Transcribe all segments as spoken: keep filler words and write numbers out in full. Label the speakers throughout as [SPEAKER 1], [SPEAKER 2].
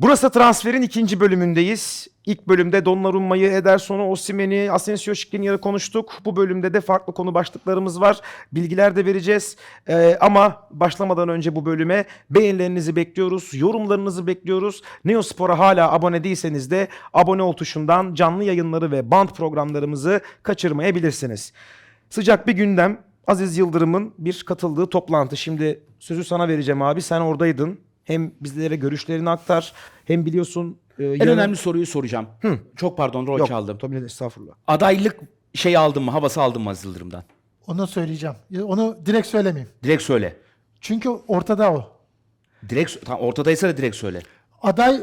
[SPEAKER 1] Burası transferin ikinci bölümündeyiz. İlk bölümde Donnarumma'yı, Ederson'u, Osimhen'i, Asensio Skriniar'ı konuştuk. Bu bölümde de farklı konu başlıklarımız var. Bilgiler de vereceğiz. Ee, ama başlamadan önce bu bölüme beğenilerinizi bekliyoruz. Yorumlarınızı bekliyoruz. Neospor'a hala abone değilseniz de abone ol tuşundan canlı yayınları ve band programlarımızı kaçırmayabilirsiniz. Sıcak bir gündem. Aziz Yıldırım'ın bir katıldığı toplantı. Şimdi sözü sana vereceğim abi. Sen oradaydın. Hem bizlere görüşlerini aktar, hem biliyorsun... E,
[SPEAKER 2] En
[SPEAKER 1] yarın...
[SPEAKER 2] önemli soruyu soracağım.
[SPEAKER 1] Hı.
[SPEAKER 2] Çok pardon rol
[SPEAKER 1] Yok,
[SPEAKER 2] çaldım.
[SPEAKER 1] tabii de estağfurullah.
[SPEAKER 2] Adaylık şeyi aldın mı? Havası aldın mı Aziz Yıldırım'dan?
[SPEAKER 3] Onu söyleyeceğim. Onu direkt söylemeyeyim.
[SPEAKER 2] Direkt söyle.
[SPEAKER 3] Çünkü ortada o.
[SPEAKER 2] Direkt tam ortadaysa da direkt söyle.
[SPEAKER 3] Aday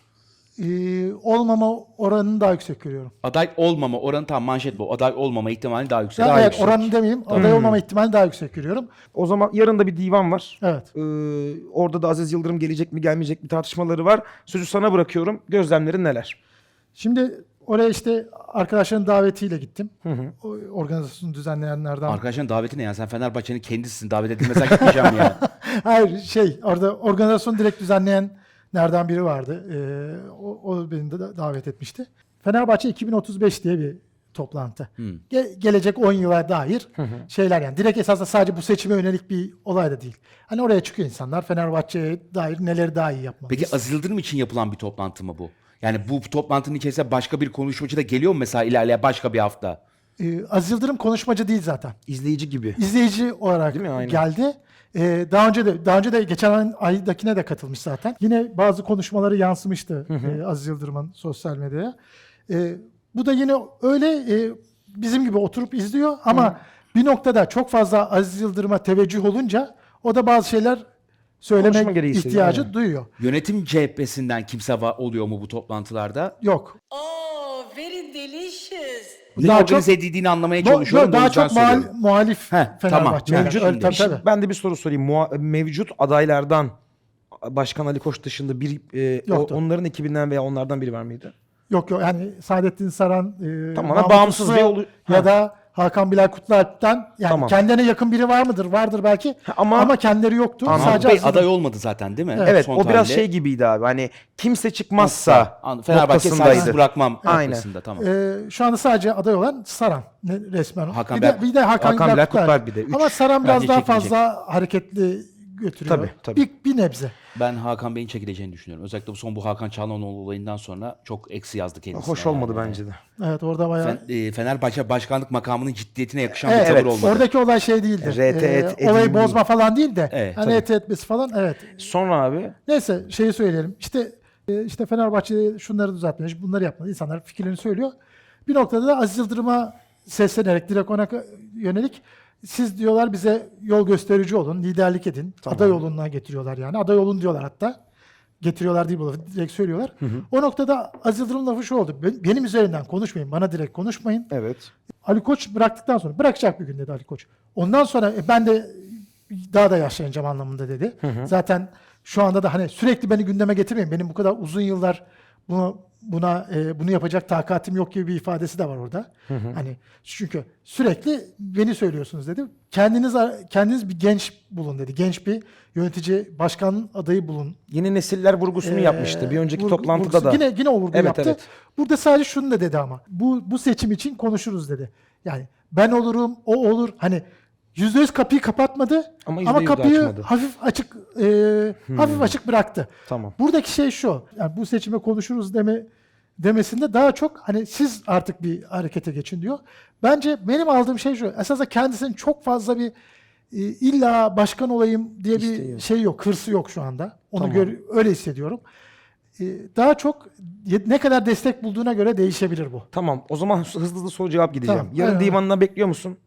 [SPEAKER 3] e, olmama oranını daha yüksek görüyorum.
[SPEAKER 2] Aday olmama oranı tam manşet bu. Aday olmama ihtimali daha yüksek.
[SPEAKER 3] Yani
[SPEAKER 2] Daha
[SPEAKER 3] evet,
[SPEAKER 2] yüksek.
[SPEAKER 3] oranını demeyeyim. Aday olmama ihtimali daha yüksek görüyorum.
[SPEAKER 1] O zaman yarın da bir divan var.
[SPEAKER 3] Evet.
[SPEAKER 1] Ee, orada da Aziz Yıldırım gelecek mi gelmeyecek mi tartışmaları var. Sözü sana bırakıyorum. Gözlemlerin neler?
[SPEAKER 3] Şimdi oraya işte arkadaşların davetiyle gittim.
[SPEAKER 1] Hı hı.
[SPEAKER 3] O organizasyonu düzenleyenlerden.
[SPEAKER 2] Arkadaşların daveti ne ya? Sen Fenerbahçe'nin kendisisin. Davet edilmesen gitmeyeceğim ya.
[SPEAKER 3] Hayır şey orada organizasyonu direkt düzenleyenlerden biri vardı. Ee, o, o beni de davet etmişti. Fenerbahçe iki bin otuz beş diye bir toplantı.
[SPEAKER 2] Hmm.
[SPEAKER 3] Ge- gelecek on yıla dair şeyler yani. Direkt esasında sadece bu seçime yönelik bir olay da değil. Hani oraya çıkıyor insanlar Fenerbahçe'ye dair neleri daha iyi yapmalıyız.
[SPEAKER 2] Peki Aziz Yıldırım için yapılan bir toplantı mı bu? Yani bu toplantının içerisinde başka bir konuşmacı da geliyor mu mesela ilerleyen başka bir hafta?
[SPEAKER 3] Ee, Aziz Yıldırım konuşmacı değil zaten.
[SPEAKER 1] İzleyici gibi.
[SPEAKER 3] İzleyici olarak
[SPEAKER 1] Değil mi? Aynen.
[SPEAKER 3] geldi. Ee, daha önce de daha önce de geçen aydakine de katılmış zaten. Yine bazı konuşmaları yansımıştı e, Aziz Yıldırım'ın sosyal medyaya. E, bu da yine öyle e, bizim gibi oturup izliyor ama bir noktada çok fazla Aziz Yıldırım'a teveccüh olunca o da bazı şeyler
[SPEAKER 1] Konuşma
[SPEAKER 3] söylemek
[SPEAKER 1] gereği hissediyor,
[SPEAKER 3] ihtiyacı
[SPEAKER 1] aynen.
[SPEAKER 3] duyuyor.
[SPEAKER 2] Yönetim cephesinden kimse va- oluyor mu bu toplantılarda?
[SPEAKER 3] Yok.
[SPEAKER 4] Oh, very delicious.
[SPEAKER 2] Ne
[SPEAKER 3] Daha
[SPEAKER 2] organize
[SPEAKER 3] çok-
[SPEAKER 2] edildiğini anlamaya
[SPEAKER 3] Do-
[SPEAKER 2] çalışıyorum. da o
[SPEAKER 3] daha
[SPEAKER 2] yüzden
[SPEAKER 3] çok muhal-
[SPEAKER 2] soruyorum.
[SPEAKER 3] muhalif
[SPEAKER 2] Heh, tamam.
[SPEAKER 3] Fenerbahçe.
[SPEAKER 2] Mevcut
[SPEAKER 3] Öyle,
[SPEAKER 2] şimdi.
[SPEAKER 3] tabii,
[SPEAKER 1] Şimdi
[SPEAKER 3] tabii.
[SPEAKER 1] ben de bir soru sorayım. Muha- mevcut adaylardan Başkan Ali Koç dışında bir e, o-
[SPEAKER 3] Yoktu.
[SPEAKER 1] onların ekibinden veya onlardan biri var mıydı?
[SPEAKER 3] Yok yok yani Saadettin Saran, e,
[SPEAKER 1] Tamamen
[SPEAKER 3] Mahmut
[SPEAKER 1] bağımsız
[SPEAKER 3] Uslu
[SPEAKER 1] bir olu-
[SPEAKER 3] ya
[SPEAKER 1] Ha.
[SPEAKER 3] da Hakan Bilal Kutlualp'ten yani
[SPEAKER 1] Tamam.
[SPEAKER 3] kendilerine yakın biri var mıdır? Vardır belki.
[SPEAKER 1] ama-
[SPEAKER 3] ama kendileri yoktu.
[SPEAKER 1] Anladım.
[SPEAKER 2] Mahmut
[SPEAKER 3] Sadece
[SPEAKER 2] Bey
[SPEAKER 3] Aziz Yıldırım.
[SPEAKER 2] aday olmadı zaten değil mi?
[SPEAKER 1] Evet,
[SPEAKER 2] Son
[SPEAKER 1] o biraz
[SPEAKER 2] tahlilde.
[SPEAKER 1] şey gibiydi abi. Hani kimse çıkmazsa
[SPEAKER 2] An- Fenerbahçe
[SPEAKER 1] noktasındaydı.
[SPEAKER 2] sensiz bırakmam
[SPEAKER 1] Aynen.
[SPEAKER 2] noktasında tamam.
[SPEAKER 3] Ee, şu anda sadece aday olan Saran ne- resmen.
[SPEAKER 2] Hakan
[SPEAKER 3] bir, de,
[SPEAKER 2] Bilal-
[SPEAKER 3] bir de Hakan,
[SPEAKER 1] Hakan
[SPEAKER 3] Bilal
[SPEAKER 1] Bilal
[SPEAKER 3] Kutlualp.
[SPEAKER 1] Kutlualp bir de. Üç.
[SPEAKER 3] Ama Saran biraz
[SPEAKER 2] Bence
[SPEAKER 3] daha
[SPEAKER 2] çekilecek.
[SPEAKER 3] fazla hareketli götürüyor.
[SPEAKER 1] Tabii, tabii.
[SPEAKER 3] Bir, bir nebze.
[SPEAKER 2] Ben Hakan Bey'in çekileceğini düşünüyorum. Özellikle bu son bu Hakan Çalhanoğlu olayından sonra çok eksi yazdı kendisine.
[SPEAKER 1] Hoş olmadı
[SPEAKER 2] yani.
[SPEAKER 1] bence de.
[SPEAKER 3] Evet orada bayağı.
[SPEAKER 2] Fen- e, Fenerbahçe başkanlık makamının ciddiyetine yakışan
[SPEAKER 3] Evet,
[SPEAKER 2] bir tavır
[SPEAKER 1] evet.
[SPEAKER 2] olmadı.
[SPEAKER 3] Oradaki olay şey değildir.
[SPEAKER 1] R T
[SPEAKER 3] Ee,
[SPEAKER 1] et-
[SPEAKER 3] olayı
[SPEAKER 1] edilmeyi.
[SPEAKER 3] bozma falan değil de.
[SPEAKER 2] Evet,
[SPEAKER 3] hani
[SPEAKER 1] tabii.
[SPEAKER 3] et etmesi falan evet.
[SPEAKER 1] Sonra abi
[SPEAKER 3] Neyse şeyi söyleyelim. İşte e, işte Fenerbahçe şunları düzeltmiş, bunları yapmalı. İnsanlar fikirlerini söylüyor. Bir noktada da Aziz Yıldırım'a seslenerek direkt ona yönelik siz diyorlar bize yol gösterici olun, liderlik edin. Aday yoluna getiriyorlar yani. Aday olun diyorlar hatta. Getiriyorlar değil bu lafı. Direkt söylüyorlar. O noktada Aziz Yıldırım'ın lafı şu oldu. "Ben- Benim üzerimden konuşmayın. Bana direkt konuşmayın.
[SPEAKER 1] evet.
[SPEAKER 3] Ali Koç bıraktıktan sonra bırakacak bir gün dedi Ali Koç. Ondan sonra e, ben de daha da yaşlanacağım anlamında dedi. Zaten şu anda da hani sürekli beni gündeme getirmeyin. Benim bu kadar uzun yıllar bunu buna e, bunu yapacak takatim yok gibi bir ifadesi de var orada. Hani çünkü sürekli beni söylüyorsunuz dedi. Kendiniz kendiniz bir genç bulun dedi. Genç bir yönetici başkan adayı bulun.
[SPEAKER 1] Yeni nesiller vurgusunu
[SPEAKER 3] Ee,
[SPEAKER 1] yapmıştı. Bir önceki
[SPEAKER 3] vurgu-
[SPEAKER 1] toplantıda
[SPEAKER 3] vurgusu-
[SPEAKER 1] da.
[SPEAKER 3] Yine, yine o vurgu
[SPEAKER 1] Evet,
[SPEAKER 3] yaptı.
[SPEAKER 1] evet.
[SPEAKER 3] Burada sadece şunu da dedi ama. Bu, bu seçim için konuşuruz dedi. Yani ben olurum, o olur. Hani yüzde yüz kapıyı kapatmadı
[SPEAKER 1] Ama
[SPEAKER 3] ama,
[SPEAKER 1] yüzde yüz de
[SPEAKER 3] kapıyı
[SPEAKER 1] açmadı.
[SPEAKER 3] hafif açık e, hafif açık bıraktı.
[SPEAKER 1] Tamam.
[SPEAKER 3] Buradaki şey şu. Yani bu seçime konuşuruz deme demesinde daha çok hani siz artık bir harekete geçin diyor. Bence benim aldığım şey şu. Esasında kendisinin çok fazla bir e, illa başkan olayım diye bir
[SPEAKER 1] İsteği yok.
[SPEAKER 3] şey yok. Hırsı yok şu anda. Onu
[SPEAKER 1] Tamam.
[SPEAKER 3] gör, öyle hissediyorum. E, daha çok ye- ne kadar destek bulduğuna göre değişebilir bu.
[SPEAKER 1] Tamam. O zaman hızlı hızlı soru cevap gideceğim.
[SPEAKER 3] Tamam,
[SPEAKER 1] Yarın
[SPEAKER 3] aynen.
[SPEAKER 1] divanına bekliyor musun?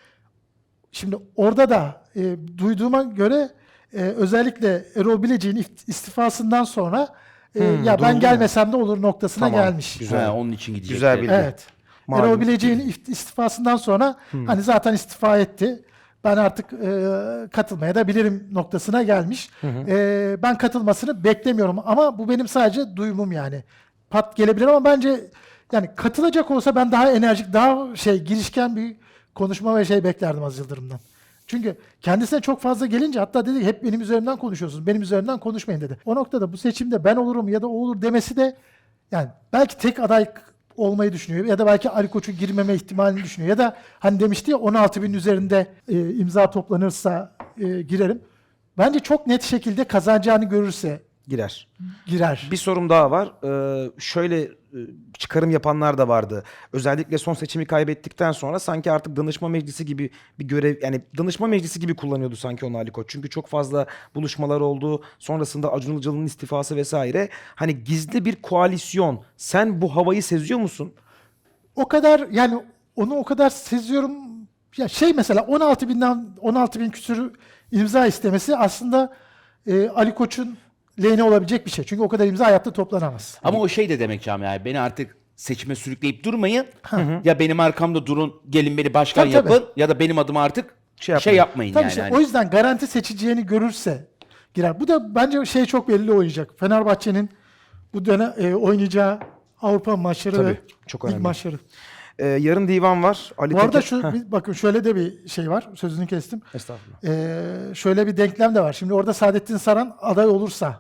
[SPEAKER 3] Şimdi orada da e, duyduğuma göre e, özellikle Erol Bilecik'in ift- istifasından sonra e,
[SPEAKER 1] Hmm,
[SPEAKER 3] ya ben
[SPEAKER 1] duyuldu mu?
[SPEAKER 3] gelmesem de olur noktasına
[SPEAKER 1] Tamam,
[SPEAKER 3] gelmiş.
[SPEAKER 1] güzel.
[SPEAKER 2] Ha, onun için gidecek.
[SPEAKER 1] Güzel bilgi.
[SPEAKER 3] Evet.
[SPEAKER 1] Malum.
[SPEAKER 3] Erol Bilecik'in ift- istifasından sonra hani zaten istifa etti. Ben artık e, katılmaya da bilirim noktasına gelmiş. E, ben katılmasını beklemiyorum ama bu benim sadece duyumum yani. Pat gelebilir ama bence yani katılacak olsa ben daha enerjik, daha şey girişken bir konuşma ve şey beklerdim Aziz Yıldırım'dan. Çünkü kendisine çok fazla gelince hatta dedi ki hep benim üzerimden konuşuyorsunuz. Benim üzerimden konuşmayın dedi. O noktada bu seçimde ben olurum ya da o olur demesi de yani belki tek aday olmayı düşünüyor ya da belki Ali Koç'un girmeme ihtimalini düşünüyor ya da hani demişti ya on altı bin üzerinde e, imza toplanırsa e, girerim. Bence çok net şekilde kazanacağını görürse
[SPEAKER 1] Girer.
[SPEAKER 3] girer.
[SPEAKER 1] Bir sorum daha var. Ee, şöyle e, çıkarım yapanlar da vardı. Özellikle son seçimi kaybettikten sonra sanki artık danışma meclisi gibi bir görev, yani danışma meclisi gibi kullanıyordu sanki onu Ali Koç. Çünkü çok fazla buluşmalar oldu. Sonrasında Acun Ilıcalı'nın istifası vesaire. Hani gizli bir koalisyon. Sen bu havayı seziyor musun?
[SPEAKER 3] O kadar yani onu o kadar seziyorum. Ya şey mesela on altı binden on altı bin küsür imza istemesi aslında e, Ali Koç'un lehine olabilecek bir şey. Çünkü o kadar imza hayatta toplanamaz.
[SPEAKER 2] Ama o şey de demek Cami yani beni artık seçime sürükleyip durmayın. Ya benim arkamda durun, gelin beni başkan
[SPEAKER 3] Tabii, tabii.
[SPEAKER 2] yapın ya da benim adıma artık
[SPEAKER 1] Şey
[SPEAKER 2] şey,
[SPEAKER 1] yapmayın.
[SPEAKER 2] yapmayın
[SPEAKER 3] Tabii
[SPEAKER 2] yani.
[SPEAKER 3] işte,
[SPEAKER 2] Hani
[SPEAKER 3] o yüzden garanti seçeceğini görürse girer. Bu da bence şey çok belli oynayacak. Fenerbahçe'nin bu dönem e, oynayacağı Avrupa maçları
[SPEAKER 1] Tabii,
[SPEAKER 3] ve
[SPEAKER 1] çok
[SPEAKER 3] lig
[SPEAKER 1] önemli.
[SPEAKER 3] maçları.
[SPEAKER 1] Ee, yarın divan var. Ali
[SPEAKER 3] Bu arada
[SPEAKER 1] Tekin-
[SPEAKER 3] şu
[SPEAKER 1] Heh,
[SPEAKER 3] bir- bakın şöyle de bir şey var. Sözünü kestim.
[SPEAKER 1] Estağfurullah.
[SPEAKER 3] Ee, şöyle bir denklem de var. Şimdi orada Saadettin Saran aday olursa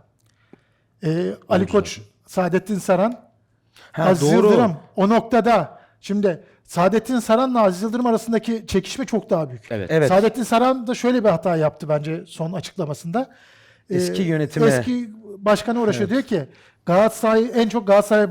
[SPEAKER 3] e, Ali Koç, Saadettin Saran,
[SPEAKER 1] Ha,
[SPEAKER 3] Aziz
[SPEAKER 1] doğru.
[SPEAKER 3] Yıldırım o noktada şimdi Saadettin Saran'la Aziz Yıldırım arasındaki çekişme çok daha büyük.
[SPEAKER 2] Evet.
[SPEAKER 1] Evet.
[SPEAKER 3] Saadettin Saran da şöyle bir hata yaptı bence son açıklamasında. Ee,
[SPEAKER 1] Eski yönetime.
[SPEAKER 3] Eski başkanı uğraşıyor. Diyor ki Galatasaray en çok Galatasaray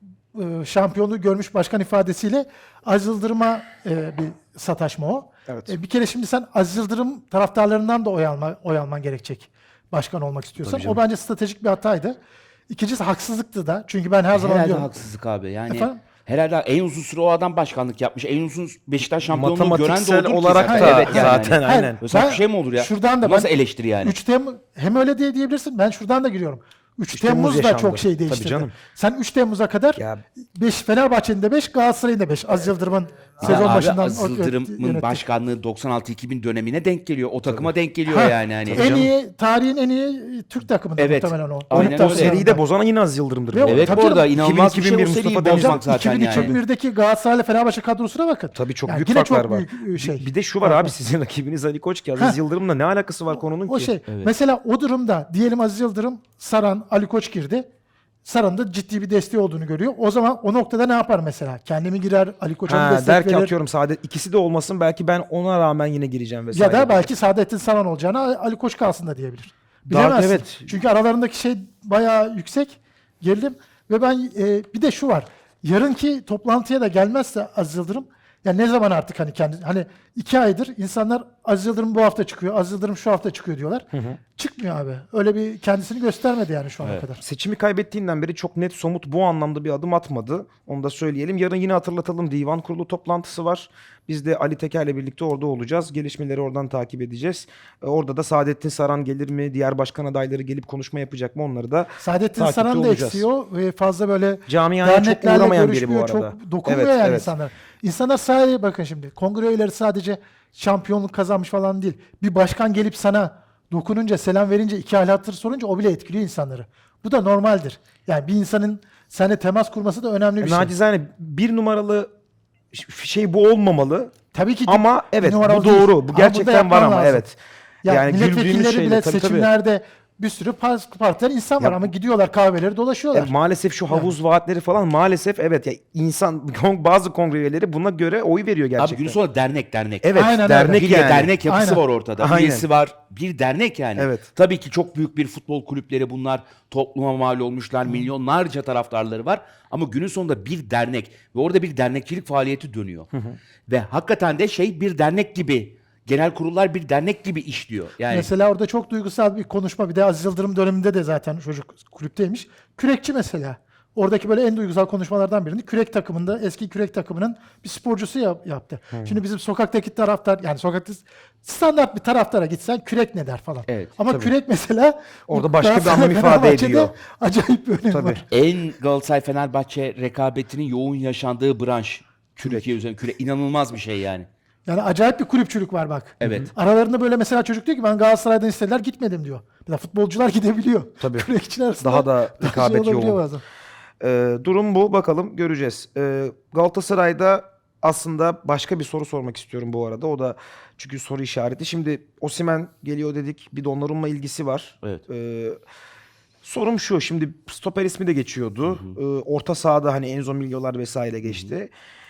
[SPEAKER 3] e, şampiyonluğu görmüş başkan ifadesiyle Aziz Yıldırım'a e, bir sataşma o.
[SPEAKER 1] Evet.
[SPEAKER 3] E, bir kere şimdi sen Aziz Yıldırım taraftarlarından da oy, alma, oy alman gerekecek başkan olmak istiyorsan. O bence stratejik bir hataydı. İkincisi haksızlıktı da. Çünkü ben her zaman
[SPEAKER 2] herhalde
[SPEAKER 3] diyorum.
[SPEAKER 2] haksızlık abi. Yani
[SPEAKER 3] Efendim?
[SPEAKER 2] herhalde en uzun süre o adam başkanlık yapmış. En uzun Beşiktaş şampiyonluğu gören de
[SPEAKER 1] Matematiksel
[SPEAKER 2] odur ki
[SPEAKER 1] olarak
[SPEAKER 2] zaten.
[SPEAKER 1] da
[SPEAKER 2] Evet yani.
[SPEAKER 1] zaten
[SPEAKER 2] Hani.
[SPEAKER 1] aynen.
[SPEAKER 2] Böyle saçma
[SPEAKER 3] Ben
[SPEAKER 2] şey mi olur ya?
[SPEAKER 3] şuradan da
[SPEAKER 2] Bu nasıl
[SPEAKER 3] ben-
[SPEAKER 2] eleştiri yani?
[SPEAKER 3] üç Temmuz hem öyle diye diyebilirsin. Ben şuradan da giriyorum. üç
[SPEAKER 1] üç Temmuz
[SPEAKER 3] Temmuz da
[SPEAKER 1] yaşandı.
[SPEAKER 3] çok şey
[SPEAKER 1] Tabii
[SPEAKER 3] değiştirdi.
[SPEAKER 1] canım.
[SPEAKER 3] Sen üç Temmuz'a kadar
[SPEAKER 1] Ya-
[SPEAKER 3] beş Fenerbahçe'nin de beş, Galatasaray'ın da beş. Aziz Yıldırım'ın sezon
[SPEAKER 2] Abi
[SPEAKER 3] başından
[SPEAKER 2] Aziz
[SPEAKER 3] o-
[SPEAKER 2] Yıldırım'ın
[SPEAKER 3] yönetti.
[SPEAKER 2] başkanlığı doksan altı iki bin dönemine denk geliyor. O takıma denk geliyor
[SPEAKER 3] Ha,
[SPEAKER 2] yani. Hani.
[SPEAKER 3] en iyi tarihin en iyi Türk takımında
[SPEAKER 2] Evet.
[SPEAKER 3] muhtemelen o.
[SPEAKER 2] Aynen
[SPEAKER 3] Olduktan
[SPEAKER 2] öyle.
[SPEAKER 1] O
[SPEAKER 3] sonra-
[SPEAKER 1] seriyi de bozan yine Aziz Yıldırım'dır.
[SPEAKER 3] Ve
[SPEAKER 1] bu
[SPEAKER 3] o-
[SPEAKER 1] arada.
[SPEAKER 2] Evet
[SPEAKER 3] Tabii
[SPEAKER 2] bu arada
[SPEAKER 3] canım.
[SPEAKER 2] inanılmaz bir şey o
[SPEAKER 1] iki bin iki bin
[SPEAKER 2] seriyi
[SPEAKER 1] Mustafa Denizli.
[SPEAKER 2] bozmak zaten yani.
[SPEAKER 3] iki bin birdeki Galatasaray'la Fenerbahçe kadrosuna bakın.
[SPEAKER 1] Tabii çok
[SPEAKER 3] Yani
[SPEAKER 1] büyük
[SPEAKER 3] yine
[SPEAKER 1] farklar
[SPEAKER 3] çok
[SPEAKER 1] var.
[SPEAKER 3] büyük, e, şey.
[SPEAKER 1] Bir, bir de şu var abi, sizin rakibiniz Ali Koç ki Aziz
[SPEAKER 3] Ha.
[SPEAKER 1] Yıldırım'la ne alakası var konunun
[SPEAKER 3] O
[SPEAKER 1] ki?
[SPEAKER 3] şey. Mesela o durumda diyelim Aziz Yıldırım, Saran, Ali Koç girdi. Saran'ın da ciddi bir desteği olduğunu görüyor. O zaman o noktada ne yapar mesela? Kendimi girer, Ali Koç'a mı
[SPEAKER 1] Ha,
[SPEAKER 3] destek
[SPEAKER 1] der ki
[SPEAKER 3] verir?
[SPEAKER 1] atıyorum Saadet ikisi de olmasın, belki ben ona rağmen yine gireceğim vesaire.
[SPEAKER 3] Ya da belki Saadettin Saran olacağına Ali Koç kalsın da diyebilir.
[SPEAKER 1] Daha-
[SPEAKER 3] Bilemezsin.
[SPEAKER 1] evet.
[SPEAKER 3] Çünkü aralarındaki şey bayağı yüksek. Gerilim. Ve ben e, bir de şu var. Yarınki toplantıya da gelmezse Aziz Yıldırım, ya ne zaman artık hani kendi hani iki aydır insanlar Aziz Yıldırım bu hafta çıkıyor, Aziz Yıldırım şu hafta çıkıyor diyorlar. Çıkmıyor abi. Öyle bir kendisini göstermedi yani şu ana kadar.
[SPEAKER 1] Seçimi kaybettiğinden beri çok net, somut bu anlamda bir adım atmadı. Onu da söyleyelim. Yarın yine hatırlatalım, divan kurulu toplantısı var. Biz de Ali Teker'le birlikte orada olacağız. Gelişmeleri oradan takip edeceğiz. E, Orada da Saadettin Saran gelir mi? Diğer başkan adayları gelip konuşma yapacak mı? Onları da
[SPEAKER 3] Saadettin
[SPEAKER 1] takipte
[SPEAKER 3] Saran da
[SPEAKER 1] olacağız.
[SPEAKER 3] eksiyor ve fazla böyle
[SPEAKER 1] Camiaya çok
[SPEAKER 3] derneklerle
[SPEAKER 1] uğramayan biri bu
[SPEAKER 3] görüşmüyor,
[SPEAKER 1] arada.
[SPEAKER 3] çok dokunmuyor
[SPEAKER 1] Evet,
[SPEAKER 3] yani
[SPEAKER 1] evet.
[SPEAKER 3] insanlar. İnsanlar sadece bakın şimdi kongre üyeleri sadece şampiyonluk kazanmış falan değil. Bir başkan gelip sana dokununca, selam verince, iki hal hatır sorunca o bile etkiliyor insanları. Bu da normaldir. Yani bir insanın seninle temas kurması da önemli bir
[SPEAKER 1] E,
[SPEAKER 3] şey.
[SPEAKER 1] nacizane bir numaralı ş- şey bu olmamalı.
[SPEAKER 3] Tabii ki
[SPEAKER 1] Ama evet, bu
[SPEAKER 3] numaralı
[SPEAKER 1] doğru.
[SPEAKER 3] değil.
[SPEAKER 1] Bu
[SPEAKER 3] Ama burada
[SPEAKER 1] gerçekten var
[SPEAKER 3] yapman
[SPEAKER 1] ama
[SPEAKER 3] lazım.
[SPEAKER 1] evet.
[SPEAKER 3] Yani,
[SPEAKER 1] Yani güldüğümüz
[SPEAKER 3] milletvekilleri
[SPEAKER 1] şeyle,
[SPEAKER 3] bile
[SPEAKER 1] tabii, tabii.
[SPEAKER 3] seçimlerde bir sürü par- partiler insan var
[SPEAKER 1] Ya-
[SPEAKER 3] ama gidiyorlar kahveleri dolaşıyorlar.
[SPEAKER 1] E, maalesef şu havuz vaatleri falan maalesef evet ya, insan bazı kongre üyeleri buna göre oy veriyor gerçekten.
[SPEAKER 2] Abi günün sonunda dernek dernek.
[SPEAKER 1] Evet,
[SPEAKER 3] Aynen öyle.
[SPEAKER 1] dernek
[SPEAKER 2] Bir
[SPEAKER 1] yani.
[SPEAKER 2] de dernek yapısı
[SPEAKER 3] Aynen.
[SPEAKER 2] var ortada.
[SPEAKER 1] Aynen.
[SPEAKER 2] Üyesi var. Bir dernek yani.
[SPEAKER 1] Evet.
[SPEAKER 2] Tabii ki çok büyük bir futbol kulüpleri bunlar. Topluma mal olmuşlar. Milyonlarca taraftarları var. Ama günün sonunda bir dernek. Ve orada bir dernekçilik faaliyeti dönüyor. Ve hakikaten de şey bir dernek gibi. Genel kurullar bir dernek gibi işliyor. Yani
[SPEAKER 3] Mesela orada çok duygusal bir konuşma. Bir de Aziz Yıldırım döneminde de zaten çocuk kulüpteymiş. Kürekçi mesela. Oradaki böyle en duygusal konuşmalardan birini kürek takımında, eski kürek takımının bir sporcusu yap- yaptı. Şimdi bizim sokaktaki taraftar, yani sokakta standart bir taraftara gitsen kürek ne der falan.
[SPEAKER 2] Evet,
[SPEAKER 3] Ama
[SPEAKER 1] tabii.
[SPEAKER 3] kürek mesela
[SPEAKER 1] Orada
[SPEAKER 3] bu
[SPEAKER 1] başka bir
[SPEAKER 3] Galatasaray,
[SPEAKER 1] anlam ifade
[SPEAKER 3] Fenerbahçe'de
[SPEAKER 1] ediyor.
[SPEAKER 3] acayip bir önemi
[SPEAKER 1] Tabii.
[SPEAKER 3] var.
[SPEAKER 2] en Galatasaray-Fenerbahçe rekabetinin yoğun yaşandığı branş. Türkiye üzerine küre inanılmaz bir şey yani.
[SPEAKER 3] Yani acayip bir kulüpçülük var bak.
[SPEAKER 2] Evet.
[SPEAKER 3] Aralarında böyle mesela çocuk diyor ki ben Galatasaray'dan istediler gitmedim diyor. Mesela futbolcular gidebiliyor.
[SPEAKER 1] Tabii.
[SPEAKER 3] Kürekçiler arasında
[SPEAKER 1] Daha da
[SPEAKER 3] şey
[SPEAKER 1] rekabet
[SPEAKER 3] olabiliyor
[SPEAKER 1] yoğun.
[SPEAKER 3] bazen.
[SPEAKER 1] Ee, durum bu, bakalım göreceğiz. Ee, Galatasaray'da aslında başka bir soru sormak istiyorum bu arada. O da çünkü soru işareti. Şimdi Osimhen geliyor dedik. Bir Donnarumma ilgisi var.
[SPEAKER 2] Evet.
[SPEAKER 1] Ee, sorum şu. Şimdi stoper ismi de geçiyordu. Ee, orta sahada hani Enzo Milyolar vesaire geçti.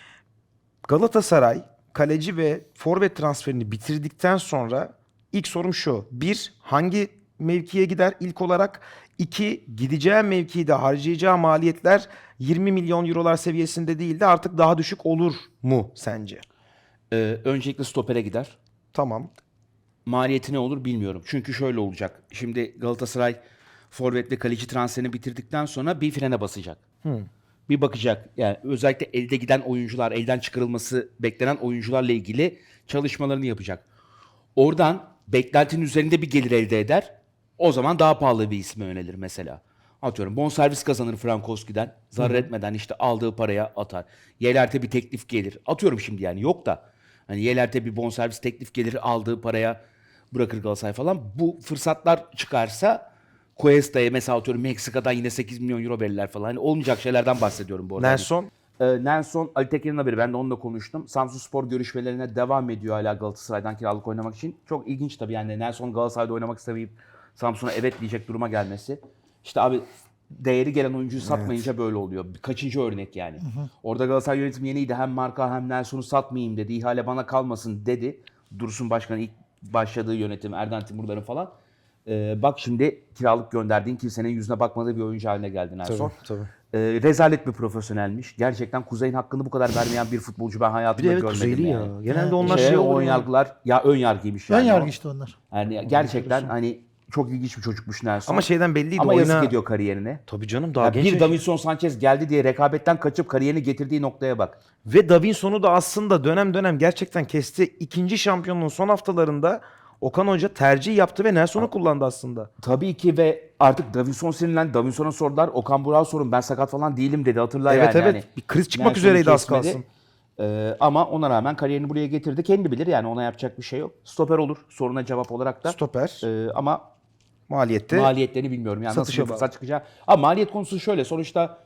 [SPEAKER 1] Galatasaray kaleci ve forvet transferini bitirdikten sonra ilk sorum şu. Bir, hangi mevkiye gider ilk olarak? İki, gideceği mevkide harcayacağı maliyetler yirmi milyon eurolar seviyesinde değil de artık daha düşük olur mu sence?
[SPEAKER 2] Ee, öncelikle stopere gider.
[SPEAKER 1] Tamam.
[SPEAKER 2] Maliyeti ne olur bilmiyorum. Çünkü şöyle olacak. Şimdi Galatasaray forvet ve kaleci transferini bitirdikten sonra bir frene basacak. Bir bakacak. Yani özellikle elde giden oyuncular, elden çıkarılması beklenen oyuncularla ilgili çalışmalarını yapacak. Oradan beklentinin üzerinde bir gelir elde eder. O zaman daha pahalı bir isme yönelir mesela. Atıyorum bonservis kazanır Frankowski'den. Zarar etmeden işte aldığı paraya atar. Yeler'te bir teklif gelir. Atıyorum şimdi yani yok da. Hani Yeler'te bir bonservis teklif gelir, aldığı paraya bırakır Galatasaray falan. Bu fırsatlar çıkarsa Cuesta'ya mesela atıyorum Meksika'dan yine sekiz milyon euro verirler falan. Hani olmayacak şeylerden bahsediyorum bu arada.
[SPEAKER 1] Nelson?
[SPEAKER 2] Ee, Nelson, Ali Tekin'in haberi. Ben de onunla konuştum. Samsunspor görüşmelerine devam ediyor hala Galatasaray'dan kiralık oynamak için. Çok ilginç tabii yani Nelson Galatasaray'da oynamak istemeyip Samsun'a evet diyecek duruma gelmesi. İşte abi değeri gelen oyuncuyu satmayınca böyle oluyor. Kaçıncı örnek yani. Orada Galatasaray yönetimi yeniydi. Hem marka hem Nelson'u satmayayım dedi. İhale bana kalmasın dedi. Dursun Başkan ilk başladığı yönetim Erden Timurların falan. Ee, bak şimdi kiralık gönderdiğin kimsenin yüzüne bakmadığı bir oyuncu haline geldi Nelson.
[SPEAKER 1] Tabii, tabii.
[SPEAKER 2] Ee, rezalet bir profesyonelmiş. Gerçekten Kuzey'in hakkını bu kadar vermeyen bir futbolcu ben
[SPEAKER 1] Bir
[SPEAKER 2] hayatımda
[SPEAKER 1] de evet
[SPEAKER 2] görmedim
[SPEAKER 1] Kuzeyli ya.
[SPEAKER 2] yani.
[SPEAKER 1] Genelde onlar
[SPEAKER 2] Şeye,
[SPEAKER 1] şey
[SPEAKER 2] o
[SPEAKER 1] oluyor.
[SPEAKER 2] ön yargılar ya ön yargıymış
[SPEAKER 3] Ön
[SPEAKER 2] yani.
[SPEAKER 3] yargı
[SPEAKER 2] o.
[SPEAKER 3] işte onlar.
[SPEAKER 2] Yani gerçekten hani çok ilginç bir çocukmuş Nelson.
[SPEAKER 1] Ama şeyden belliydi.
[SPEAKER 2] Ama
[SPEAKER 1] oyuna...
[SPEAKER 2] yazık ediyor kariyerine.
[SPEAKER 1] Tabii canım daha
[SPEAKER 2] Ya
[SPEAKER 1] genç.
[SPEAKER 2] bir
[SPEAKER 1] yaş-
[SPEAKER 2] Davinson Sanchez geldi diye rekabetten kaçıp kariyerini getirdiği noktaya bak.
[SPEAKER 1] Ve Davinson'u da aslında dönem dönem gerçekten kesti. İkinci şampiyonluğun son haftalarında Okan Hoca tercih yaptı ve Nelson'u kullandı aslında.
[SPEAKER 2] Tabii ki ve artık Davinson sinirlendi. Davinson'a sordular. Okan Burak'a sorun ben sakat falan değilim dedi. Hatırla
[SPEAKER 1] Evet,
[SPEAKER 2] yani.
[SPEAKER 1] evet.
[SPEAKER 2] Hani
[SPEAKER 1] Bir kriz çıkmak
[SPEAKER 2] Nelson'u
[SPEAKER 1] üzereydi az
[SPEAKER 2] kesmedi.
[SPEAKER 1] kalsın.
[SPEAKER 2] Ee, ama ona rağmen kariyerini buraya getirdi. Kendi bilir yani ona yapacak bir şey yok. Stoper olur soruna cevap olarak da.
[SPEAKER 1] Stoper.
[SPEAKER 2] Ee, ama
[SPEAKER 1] Maliyette.
[SPEAKER 2] maliyetlerini bilmiyorum. Yani nasıl
[SPEAKER 1] satışa
[SPEAKER 2] bir
[SPEAKER 1] bağlı.
[SPEAKER 2] fırsat çıkacağı. Ama maliyet konusu şöyle. Sonuçta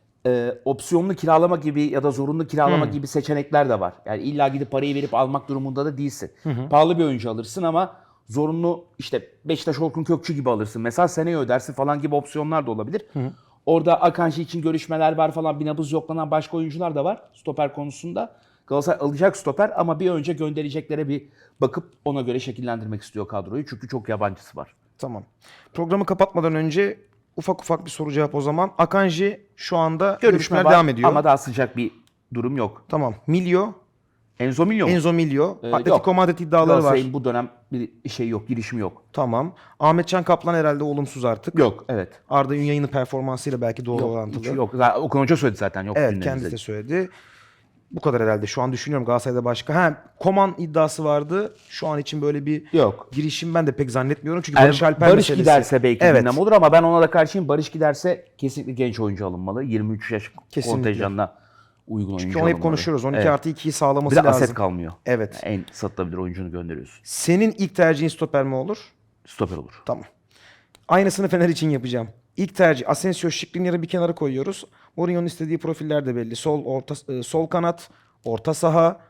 [SPEAKER 2] e, opsiyonlu kiralama gibi ya da zorunlu kiralama
[SPEAKER 1] Hmm.
[SPEAKER 2] gibi seçenekler de var. Yani illa gidip parayı verip almak durumunda da değilsin. Pahalı bir oyuncu alırsın ama zorunlu işte Beşiktaş Orkun Kökçü gibi alırsın. Mesela seneye ödersin falan gibi opsiyonlar da olabilir. Orada Akanji için görüşmeler var falan. Bir nabız yoklanan başka oyuncular da var stoper konusunda. Galatasaray alacak stoper ama bir önce göndereceklere bir bakıp ona göre şekillendirmek istiyor kadroyu. Çünkü çok yabancısı var.
[SPEAKER 1] Tamam. Programı kapatmadan önce ufak ufak bir soru cevap o zaman. Akanji şu anda görüşmeler
[SPEAKER 2] var
[SPEAKER 1] devam ediyor.
[SPEAKER 2] ama daha sıcak bir durum yok.
[SPEAKER 1] Tamam. Milyo,
[SPEAKER 2] Enzo Milyon mu?
[SPEAKER 1] Enzo Milyo.
[SPEAKER 2] Ee,
[SPEAKER 1] Atletico
[SPEAKER 2] yok.
[SPEAKER 1] Madrid iddiaları var.
[SPEAKER 2] Galatasaray'ın bu dönem bir şey yok, girişimi yok.
[SPEAKER 1] Tamam. Ahmetcan Kaplan herhalde olumsuz artık.
[SPEAKER 2] Yok, evet.
[SPEAKER 1] Arda Ünyay'ın performansıyla belki doğru
[SPEAKER 2] Yok,
[SPEAKER 1] orantılı.
[SPEAKER 2] hiç yok. Zaten Okan Hoca söyledi zaten yok.
[SPEAKER 1] Evet,
[SPEAKER 2] gündemimizde.
[SPEAKER 1] kendisi de söyledi. Bu kadar herhalde. Şu an düşünüyorum Galatasaray'da başka. Ha, Koman iddiası vardı. Şu an için böyle bir
[SPEAKER 2] Yok.
[SPEAKER 1] girişim ben de pek zannetmiyorum. Çünkü
[SPEAKER 2] Yani
[SPEAKER 1] Barış Alper
[SPEAKER 2] Barış
[SPEAKER 1] meselesi.
[SPEAKER 2] giderse belki
[SPEAKER 1] Evet.
[SPEAKER 2] gündem olur ama ben ona da karşıyım. Barış giderse kesinlikle genç oyuncu alınmalı. yirmi üç yaş
[SPEAKER 1] Kesinlikle.
[SPEAKER 2] kontenjanına uygun oyuncu
[SPEAKER 1] Çünkü onu
[SPEAKER 2] alınmalı.
[SPEAKER 1] hep konuşuyoruz. on iki
[SPEAKER 2] Evet.
[SPEAKER 1] artı ikiyi sağlaması
[SPEAKER 2] Bir de
[SPEAKER 1] lazım.
[SPEAKER 2] aset kalmıyor.
[SPEAKER 1] Evet.
[SPEAKER 2] Yani en satılabilir oyuncunu gönderiyorsun.
[SPEAKER 1] Senin ilk tercihin stoper mi olur?
[SPEAKER 2] Stoper olur.
[SPEAKER 1] Tamam. Aynısını Fener için yapacağım. İlk tercih Asensio, Skriniar'ı bir kenara koyuyoruz. Mourinho'nun istediği profiller de belli. Sol orta e, sol kanat, orta saha,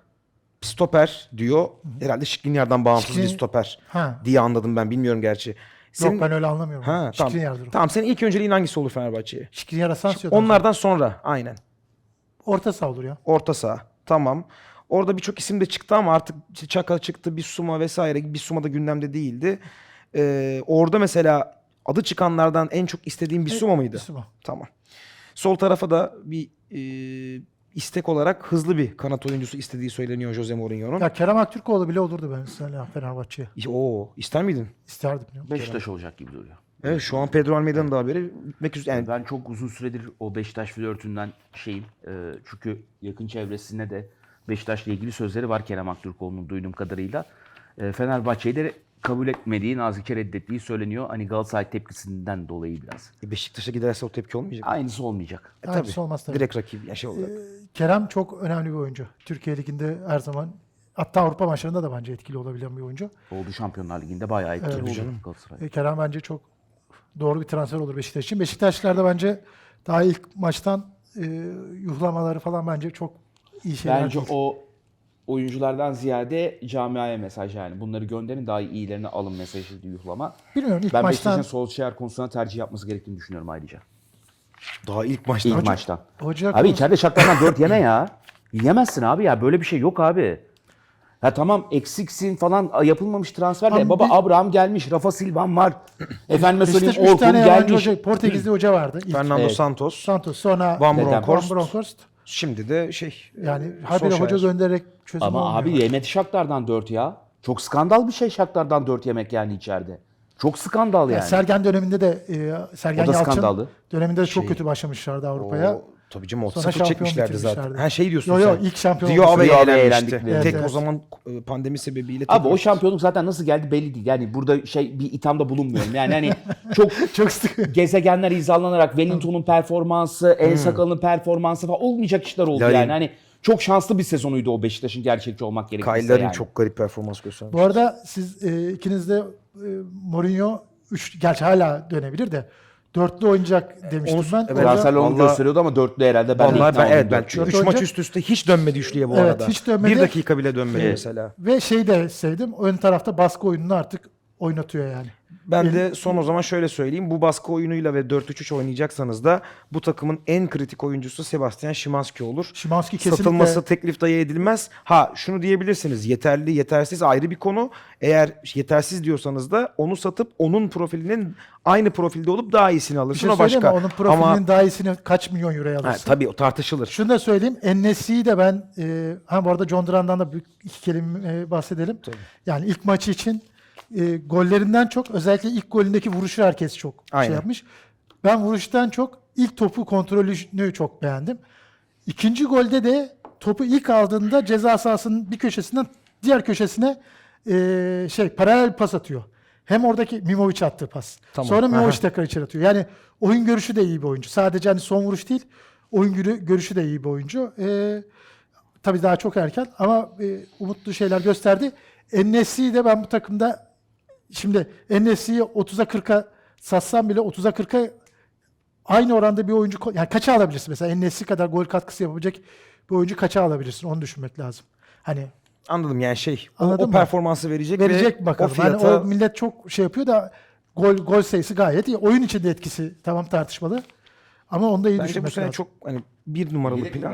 [SPEAKER 1] stoper diyor. Herhalde Skriniar'dan bağımsız bir
[SPEAKER 3] Skriniar-
[SPEAKER 1] stoper
[SPEAKER 3] Ha.
[SPEAKER 1] diye anladım ben. Bilmiyorum gerçi. Senin...
[SPEAKER 3] Yok ben öyle anlamıyorum.
[SPEAKER 1] Ha, tamam.
[SPEAKER 3] Skriniar durum.
[SPEAKER 1] Tamam, senin ilk önceliğin hangisi olur Fenerbahçe'ye?
[SPEAKER 3] Skriniar Asensio'dan sonra
[SPEAKER 1] Onlardan sonra aynen.
[SPEAKER 3] orta saha olur ya.
[SPEAKER 1] Orta saha. Tamam. Orada birçok isim de çıktı ama artık işte Çaka çıktı, Bissouma vesaire. Bissouma da gündemde değildi. Ee, orada mesela adı çıkanlardan en çok istediğin Bissouma mıydı?
[SPEAKER 3] Bissouma.
[SPEAKER 1] Tamam. Sol tarafa da bir e, istek olarak hızlı bir kanat oyuncusu istediği söyleniyor Jose Mourinho'nun.
[SPEAKER 3] Ya Kerem Aktürkoğlu bile olurdu ben mesela Fenerbahçe'ye.
[SPEAKER 1] Oo, ister miydin?
[SPEAKER 3] İsterdim. Ya.
[SPEAKER 2] Beşiktaş olacak gibi duruyor.
[SPEAKER 1] Evet, şu an Pedro Almeida'nın da haberi bitmek üzere. Yani
[SPEAKER 2] Ben çok uzun süredir o Beşiktaş flörtünden şeyim. Ee, çünkü yakın çevresinde de Beşiktaş'la ilgili sözleri var Kerem Aktürkoğlu'nun duyduğum kadarıyla. Ee, Fenerbahçe'yi de kabul etmediği, nazikçe reddettiği söyleniyor. Hani Galatasaray tepkisinden dolayı biraz.
[SPEAKER 1] Beşiktaş'a giderse o tepki olmayacak.
[SPEAKER 2] Aynısı olmayacak.
[SPEAKER 1] E,
[SPEAKER 3] Aynısı
[SPEAKER 1] tabii.
[SPEAKER 3] olmaz tabii.
[SPEAKER 1] Direkt rakip ya şey olarak.
[SPEAKER 3] Kerem çok önemli bir oyuncu. Türkiye Ligi'nde her zaman hatta Avrupa maçlarında da bence etkili olabilen bir oyuncu.
[SPEAKER 2] Oldu Şampiyonlar Ligi'nde bayağı etkili
[SPEAKER 3] Evet.
[SPEAKER 2] oldu
[SPEAKER 1] Canım.
[SPEAKER 2] Galatasaray.
[SPEAKER 3] E, Kerem bence çok doğru bir transfer olur Beşiktaş için. Beşiktaşlılar da bence daha ilk maçtan e, yuhlamaları falan bence çok iyi şeyler
[SPEAKER 2] Bence
[SPEAKER 3] değil.
[SPEAKER 2] o oyunculardan ziyade camiaya mesaj yani. Bunları gönderin, daha iyi iyilerini alın mesajı yuhlama.
[SPEAKER 3] Bilmiyorum ilk
[SPEAKER 2] Ben
[SPEAKER 3] maçtan
[SPEAKER 2] Beşiktaş'ın Solskjaer konusuna tercih yapması gerektiğini düşünüyorum ayrıca.
[SPEAKER 1] Daha ilk maçta.
[SPEAKER 2] İlk maçtan.
[SPEAKER 3] hoca
[SPEAKER 2] Abi
[SPEAKER 3] konusu-
[SPEAKER 2] içeride Shakhtar'dan dört yeme ya. Yemezsin abi ya. Böyle bir şey yok abi. Ha tamam eksiksin falan yapılmamış transfer de.
[SPEAKER 3] Ama
[SPEAKER 2] Baba
[SPEAKER 3] bir-
[SPEAKER 2] Abraham gelmiş, Rafa Silvan var. Efendime
[SPEAKER 3] Beşiktaş
[SPEAKER 2] söyleyeyim
[SPEAKER 3] üç
[SPEAKER 2] Orkun
[SPEAKER 3] tane yabancı
[SPEAKER 2] gelmiş.
[SPEAKER 3] hoca, Portekizli hoca vardı. İlk
[SPEAKER 1] Fernando
[SPEAKER 2] Evet.
[SPEAKER 1] Santos.
[SPEAKER 3] Santos, sonra
[SPEAKER 1] Van
[SPEAKER 2] Dedem.
[SPEAKER 1] Bronckhorst.
[SPEAKER 3] Van Bronckhorst.
[SPEAKER 1] Şimdi de şey.
[SPEAKER 3] Yani
[SPEAKER 1] e,
[SPEAKER 3] habire
[SPEAKER 1] Solskjaer.
[SPEAKER 3] hoca göndererek çözüm
[SPEAKER 2] Ama
[SPEAKER 3] olmuyor.
[SPEAKER 2] abi yemedi Shakhtar'dan dört ya. Çok skandal bir şey Shakhtar'dan dört yemek yani içeride. Çok skandal yani.
[SPEAKER 3] Yani Sergen döneminde de e, Sergen
[SPEAKER 2] O da
[SPEAKER 3] Yalçın
[SPEAKER 2] skandallı.
[SPEAKER 3] döneminde de çok
[SPEAKER 1] Şey,
[SPEAKER 3] kötü başlamışlardı Avrupa'ya.
[SPEAKER 1] O, tabii canım o
[SPEAKER 3] Sonra
[SPEAKER 1] sıfır
[SPEAKER 3] şampiyon
[SPEAKER 1] çekmişlerdi zaten.
[SPEAKER 3] bitirmişlerdi.
[SPEAKER 1] Ha şey diyorsun
[SPEAKER 3] Yo,
[SPEAKER 1] sen.
[SPEAKER 3] yo, ilk şampiyon
[SPEAKER 1] Rio
[SPEAKER 3] olması.
[SPEAKER 1] Ave'ye
[SPEAKER 2] Rio Ave'ye
[SPEAKER 1] elenmişti.
[SPEAKER 2] elendikleri.
[SPEAKER 1] Tek
[SPEAKER 3] Evet,
[SPEAKER 1] o
[SPEAKER 3] evet.
[SPEAKER 1] zaman e, pandemi sebebiyle. tek
[SPEAKER 2] Abi o
[SPEAKER 1] maç.
[SPEAKER 2] şampiyonluk zaten nasıl geldi belli değil. Yani burada şey bir ithamda bulunmuyorum. Yani hani çok
[SPEAKER 3] Çok sıkı.
[SPEAKER 2] gezegenler hizalanarak Wellington'un performansı, El Sakal'ın performansı falan olmayacak işler oldu
[SPEAKER 1] Larin.
[SPEAKER 2] yani. Hani çok şanslı bir sezonuydu o Beşiktaş'ın gerçekçi olmak gerekirse
[SPEAKER 1] Kayların
[SPEAKER 2] yani.
[SPEAKER 1] çok garip performans göstermiş.
[SPEAKER 3] Bu arada siz e, ikiniz de e, Mourinho üç, gerçi hala dönebilir de dörtlü oynayacak demiştim
[SPEAKER 1] Onu-
[SPEAKER 3] ben.
[SPEAKER 1] evet.
[SPEAKER 3] Hoca-
[SPEAKER 2] Transferler onu
[SPEAKER 1] Vallahi-
[SPEAKER 2] gösteriyordu ama dörtlü herhalde ben de
[SPEAKER 1] Vallahi
[SPEAKER 2] ikna
[SPEAKER 1] ben,
[SPEAKER 2] oldum
[SPEAKER 1] evet ben
[SPEAKER 2] dörtlü.
[SPEAKER 1] çünkü üç
[SPEAKER 3] Dört
[SPEAKER 1] maç
[SPEAKER 3] olacak.
[SPEAKER 1] üst üste hiç dönmedi üçlüye bu
[SPEAKER 3] Evet,
[SPEAKER 1] arada.
[SPEAKER 3] hiç dönmedi.
[SPEAKER 1] Bir dakika bile dönmedi
[SPEAKER 2] Evet.
[SPEAKER 1] mesela.
[SPEAKER 3] Ve şey de sevdim. Ön tarafta baskı oyununu artık oynatıyor yani.
[SPEAKER 1] Ben de son o zaman şöyle söyleyeyim. Bu baskı oyunuyla ve dört üç üç oynayacaksanız da bu takımın en kritik oyuncusu Sebastian Szymanski olur.
[SPEAKER 3] Szymanski kesinlikle
[SPEAKER 1] Satılması teklif dahi edilmez. Ha şunu diyebilirsiniz. Yeterli, yetersiz ayrı bir konu. Eğer yetersiz diyorsanız da onu satıp onun profilinin aynı profilde olup daha iyisini
[SPEAKER 3] bir
[SPEAKER 1] alırsın.
[SPEAKER 3] şey
[SPEAKER 1] o
[SPEAKER 3] söyleyeyim
[SPEAKER 1] başka.
[SPEAKER 3] mi? Onun profilinin
[SPEAKER 1] Ama
[SPEAKER 3] daha iyisini kaç milyon euroya
[SPEAKER 1] ha,
[SPEAKER 3] alırsın?
[SPEAKER 1] tabii o tartışılır.
[SPEAKER 3] Şunu da söyleyeyim. En-Nesyri'yi de ben e, ha bu arada John Duran'dan da bir iki kelime e, bahsedelim. Yani ilk maçı için e, gollerinden çok özellikle ilk golündeki vuruşu herkes çok
[SPEAKER 1] Aynen.
[SPEAKER 3] şey yapmış. Ben vuruştan çok ilk topu kontrolünü çok beğendim. İkinci golde de topu ilk aldığında ceza sahasının bir köşesinden diğer köşesine e, şey paralel pas atıyor. Hem oradaki Mimovic attığı pas.
[SPEAKER 1] Tamam.
[SPEAKER 3] Sonra Mimovic
[SPEAKER 1] Aha.
[SPEAKER 3] tekrar içeri atıyor. Yani oyun görüşü de iyi bir oyuncu. Sadece hani son vuruş değil, oyun görü- görüşü de iyi bir oyuncu. E, tabii daha çok erken ama e, umutlu şeyler gösterdi. En-Nesyri'yi de ben bu takımda şimdi En-Nesyri'yi otuza kırka satsam bile otuza kırka aynı oranda bir oyuncu ko- yani kaça alabilirsin mesela En-Nesyri kadar gol katkısı yapabilecek bir oyuncu kaça alabilirsin onu düşünmek lazım. Hani
[SPEAKER 1] Anladım yani şey. O,
[SPEAKER 3] Anladın
[SPEAKER 1] o
[SPEAKER 3] mı?
[SPEAKER 1] performansı verecek,
[SPEAKER 3] verecek
[SPEAKER 1] ve
[SPEAKER 3] bakalım.
[SPEAKER 1] o fiyata
[SPEAKER 3] Hani o millet çok şey yapıyor da gol gol sayısı gayet iyi. Oyun içinde etkisi tamam tartışmalı. Ama onu da iyi
[SPEAKER 1] bence bu
[SPEAKER 3] düşünmek
[SPEAKER 1] sene
[SPEAKER 3] lazım.
[SPEAKER 1] çok hani bir numaralı plan.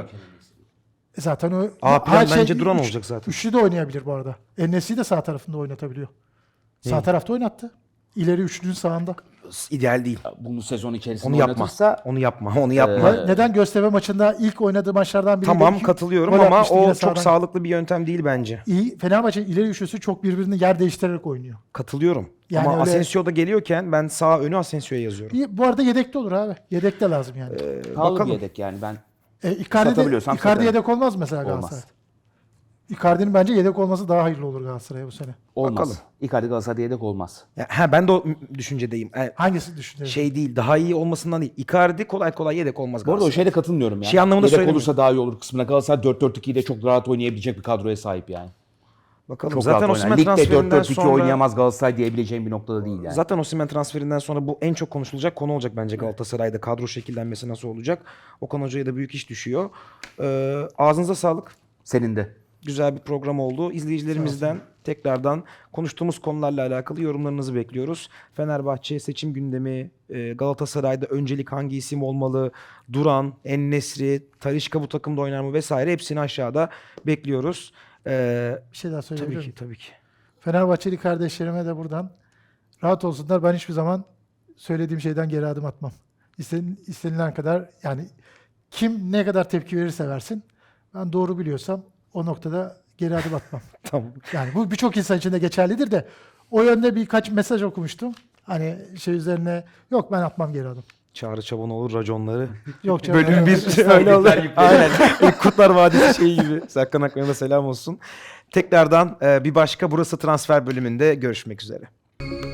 [SPEAKER 3] E Zaten o
[SPEAKER 1] A plan
[SPEAKER 3] Ha, şey,
[SPEAKER 1] bence Duran
[SPEAKER 3] üç-
[SPEAKER 1] olacak zaten.
[SPEAKER 3] Üçlü de oynayabilir bu arada. En-Nesyri de sağ tarafında oynatabiliyor. Sağ tarafta oynattı. İleri üçlünün sağında.
[SPEAKER 1] İdeal değil.
[SPEAKER 2] Bunu sezon içerisinde
[SPEAKER 1] Onu yapma.
[SPEAKER 2] oynatırsa
[SPEAKER 1] Onu yapma. Onu yapma.
[SPEAKER 3] Ama Neden Göztepe maçında ilk oynadığı maçlardan biri
[SPEAKER 1] Tamam
[SPEAKER 3] de iki
[SPEAKER 1] katılıyorum
[SPEAKER 3] gol
[SPEAKER 1] ama
[SPEAKER 3] atmıştı
[SPEAKER 1] o
[SPEAKER 3] yine
[SPEAKER 1] çok
[SPEAKER 3] sağdan.
[SPEAKER 1] sağlıklı bir yöntem değil bence.
[SPEAKER 3] İyi. Fenerbahçe'nin ileri üçlüsü çok birbirini yer değiştirerek oynuyor.
[SPEAKER 1] Katılıyorum.
[SPEAKER 3] Yani
[SPEAKER 1] ama
[SPEAKER 3] öyle-
[SPEAKER 1] Asensio da geliyorken ben sağ önü Asensio'ya yazıyorum.
[SPEAKER 3] İyi, bu arada yedekte olur abi. Yedekte lazım yani.
[SPEAKER 2] pahalı
[SPEAKER 1] bakalım.
[SPEAKER 2] bir yedek yani ben.
[SPEAKER 3] E, Icardi, de,
[SPEAKER 2] satabiliyorsam
[SPEAKER 3] Icardi
[SPEAKER 2] satarım.
[SPEAKER 3] yedek olmaz mesela
[SPEAKER 2] Olmaz.
[SPEAKER 3] Galatasaray'da. Icardi'nin bence yedek olması daha hayırlı olur Galatasaray'a bu sene.
[SPEAKER 2] Olmaz.
[SPEAKER 1] Bakalım.
[SPEAKER 2] Icardi Galatasaray'da yedek olmaz.
[SPEAKER 1] Ya, ha ben de o m- düşüncedeyim. Yani
[SPEAKER 3] Hangisi düşünüyorsun?
[SPEAKER 1] şey değil, daha iyi olmasından değil. Icardi kolay kolay yedek olmaz
[SPEAKER 2] Bu arada o
[SPEAKER 1] Galatasaray.
[SPEAKER 2] şeyde katılmıyorum ya.
[SPEAKER 1] Şey anlamında
[SPEAKER 2] yedek
[SPEAKER 1] söylemiyorum.
[SPEAKER 2] olursa daha iyi olur kısmına. Galatasaray dört dört ikiyi de çok rahat oynayabilecek bir kadroya sahip yani.
[SPEAKER 1] Bakalım.
[SPEAKER 2] Çok
[SPEAKER 1] Zaten
[SPEAKER 2] rahat oynar.
[SPEAKER 1] Osimhen
[SPEAKER 2] Ligde dört
[SPEAKER 1] transferinden
[SPEAKER 2] dört iki
[SPEAKER 1] sonra
[SPEAKER 2] oynayamaz Galatasaray diyebileceğim bir noktada değil yani.
[SPEAKER 1] zaten Osimhen transferinden sonra bu en çok konuşulacak konu olacak bence Galatasaray'da. Kadro şekillenmesi nasıl olacak? Okan Hoca'ya da büyük iş düşüyor. Ee, ağzınıza sağlık.
[SPEAKER 2] Senin de.
[SPEAKER 1] Güzel bir program oldu. İzleyicilerimizden tekrardan konuştuğumuz konularla alakalı yorumlarınızı bekliyoruz. Fenerbahçe seçim gündemi, e, Galatasaray'da öncelik hangi isim olmalı, Duran, En-Nesyri, Talisca bu takımda oynar mı vesaire hepsini aşağıda bekliyoruz. Ee,
[SPEAKER 3] Bir şey daha söyleyebilir
[SPEAKER 1] tabii ki,
[SPEAKER 3] miyim?
[SPEAKER 1] tabii ki.
[SPEAKER 3] Fenerbahçeli kardeşlerime de buradan rahat olsunlar. Ben hiçbir zaman söylediğim şeyden geri adım atmam. İsten, istenilen kadar yani kim ne kadar tepki verirse versin ben doğru biliyorsam o noktada geri adım atmam.
[SPEAKER 1] Tamam.
[SPEAKER 3] Yani bu birçok insan için de geçerlidir de o yönde birkaç mesaj okumuştum. Hani şey üzerine yok ben atmam geri adım.
[SPEAKER 1] Çağrı Çabanoğlu raconları.
[SPEAKER 3] Yok canım,
[SPEAKER 1] Bölüm
[SPEAKER 3] öyle-
[SPEAKER 1] bir öyle olur. Aynen. Kurtlar Vadisi şeyi gibi. Serkan Akman'a da selam olsun. Tekrardan e, bir başka Burası Transfer bölümünde görüşmek üzere.